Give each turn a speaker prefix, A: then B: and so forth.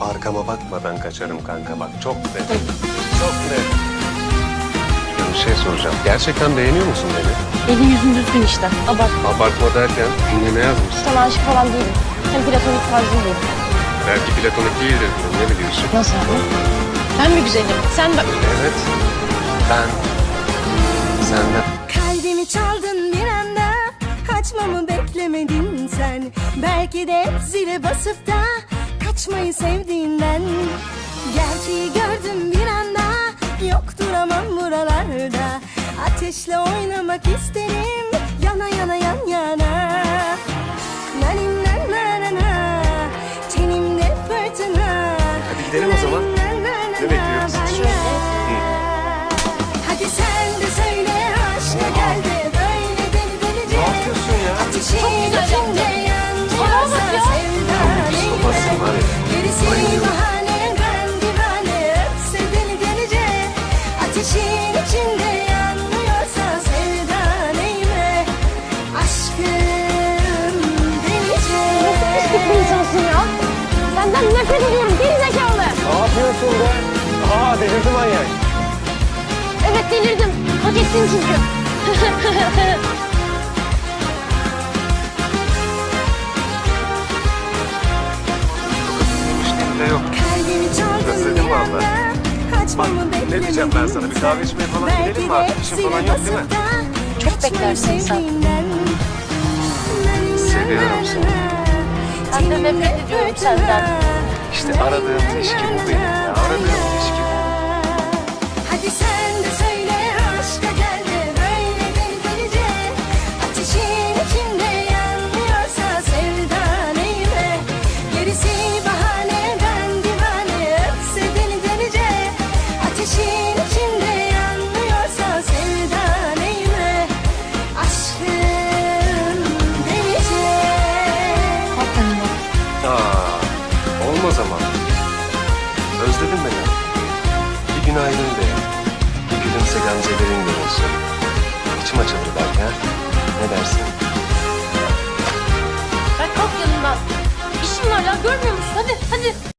A: Arkama bakmadan kaçarım kanka bak. Çok net. Çok net. Ya bir şey soracağım. Gerçekten beğeniyor musun beni?
B: Eli yüzün düzgün işte. Abart.
A: Abartma derken ne yazmışsın?
B: Sana aşık falan değilim. Hem platonik tarzım değil.
A: Belki platonik değildir. Ne biliyorsun?
B: Nasıl abi? Ben mi güzelim? Sen bak.
A: Evet. Ben senden...
C: Kalbimi çaldın bir anda, açmamı beklemedin sen. Belki de zile basıp da kaçmayı sevdiğinden. Gerçeği gördüm bir anda, yok duramam buralarda. Ateşle oynamak isterim, yana yana yan yana. Nanin na na na na, tenimde fırtına.
A: Hadi gidelim o zaman. Ne bekliyoruz?
C: Hadi sen de söyle, aşka gel de böyle deli delice.
A: Ne yapıyorsun ya?
C: Ateşin içinde yanıyorsa
A: Sobasın var ya.
C: gerisi bahane, ben divane, öpse deli delice. Ateşin içinde yanıyorsa sevda neyime, aşkım delice.
B: Nasıl pislik bir insansın ya? Senden nefret ediyorum gerizekalı.
A: Ne yapıyorsun be? Aa delirdi manyak.
B: Evet delirdim. Hak ettin çünkü.
A: İşte yok.
C: Kalbimi çaldın
A: Özledim
C: bir
A: vallahi.
C: anda,
A: Bak
C: açmamı
A: ne diyeceğim ben sana? Bir kahve içmeye falan gidelim mi artık? İşin falan yok değil mi?
B: Çok beklersin sen.
A: Seviyorum seni.
B: Ben de nefret ediyorum senden.
A: İşte aradığım ilişki bu benim ya. Aradığım ilişki.
C: Hadi sen de söyle, aşka gel de böyle deli delice. Ateşin içinde yanmıyorsa sevda neyime, gerisi bahane, ben divane, öpse deli delice. Ateşin içinde yanmıyorsa sevda neyime, aşkım delice.
B: Hakikaten bak.
A: Aa, olmaz ama. Özledin beni. Bir günaydın de. Bir gülümse gamzelerin görünsün. İçim açılır belki ha. Ne dersin?
B: Ben kalk yanımdan. İşim var ya görmüyor musun? Hadi hadi.